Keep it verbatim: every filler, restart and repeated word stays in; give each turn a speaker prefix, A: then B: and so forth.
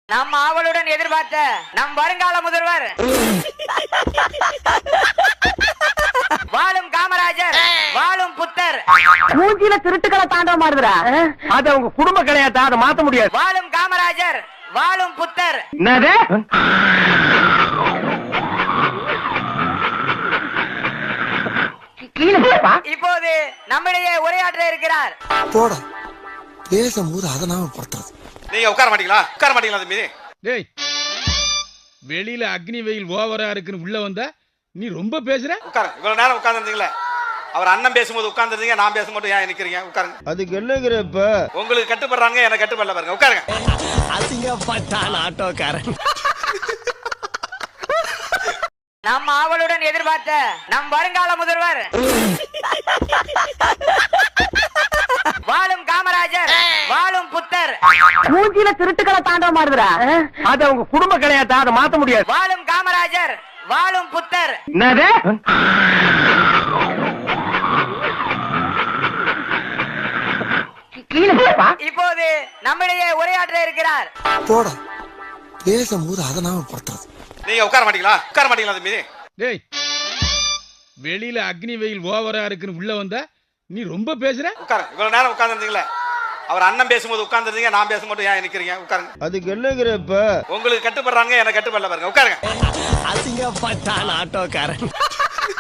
A: நம் ஆவலுடன் எதிர்பார்த்த நம் வருங்கால முதல்வர் வாழும் காமராஜர் வாழும் புத்தர்
B: மூஞ்சில திருட்டுக்களை தாண்டவ மாறுதுடா.
C: அது அவங்க குடும்ப கிடையாது, அதை மாத்த முடியாது.
A: வாழும் காமராஜர் வாழும் புத்தர்.
C: என்னது?
A: இப்போது நம்மிடையே உரையாற்ற இருக்கிறார்.
D: போடா பேசும்போது அதை நாம படுத்துறது.
E: நீங்க உட்கார மாட்டீங்களா? உட்கார மாட்டீங்களா தம்பி?
F: டேய், வெளியில அக்னி வெயில் ஓவரா இருக்குன்னு உள்ள வந்தா நீ ரொம்ப பேசுற.
E: உட்காரு. இவ்வளவு நேரம் உட்கார்ந்துருந்தீங்களே, அவர் அண்ணன் பேசும்போது உட்கார்ந்துருந்தீங்க, நான் பேசும்போது ஏன் நிக்கிறீங்க? உட்காருங்க.
C: அதுக்கு என்னங்கிற இப்ப
E: உங்களுக்கு கட்டுப்படுறாங்க, எனக்கு கட்டுப்படல பாருங்க. உட்காருங்க.
D: அசிங்கப்பட்டான் ஆட்டோக்காரன்.
A: நம் ஆவலுடன் எதிர்பார்த்த நம் வருங்கால முதல்வர் வாழும் காமராஜர் வாழும் புத்தர்.
B: மூஞ்சில திருட்டுக்களை தாண்டவ மாறுதுடா.
C: அது அவங்க குடும்ப கிடையாது, அதை மாத்த முடியாது.
A: வாழும் காமராஜர் வாழும் புத்தர்.
C: என்னது?
A: இப்போது நம்மிடையே உரையாற்ற இருக்கிறார்.
D: போடா பேசும்போது அதை நாம படுத்துறது.
E: நீங்க உட்கார மாட்டீங்களா? உட்கார மாட்டீங்களா தம்பி?
F: டேய், வெளியில அக்னி வெயில் ஓவரா இருக்குன்னு உள்ள வந்தா நீ ரொம்ப பேசுற.
E: உட்காருங்க. இவ்வளவு நேரம் உட்கார்ந்துருந்தீங்களே, அவர் அண்ணன் பேசும்போது உட்கார்ந்துருந்தீங்க, நான் பேசும்போது ஏன் நிக்கிறீங்க? உட்காருங்க.
C: அதுக்கு என்னங்கிற இப்ப
E: உங்களுக்கு கட்டுப்படுறாங்க, எனக்கு கட்டுப்படல பாருங்க. உட்காருங்க.
D: அசிங்கப்பட்டான் ஆட்டோக்காரன்.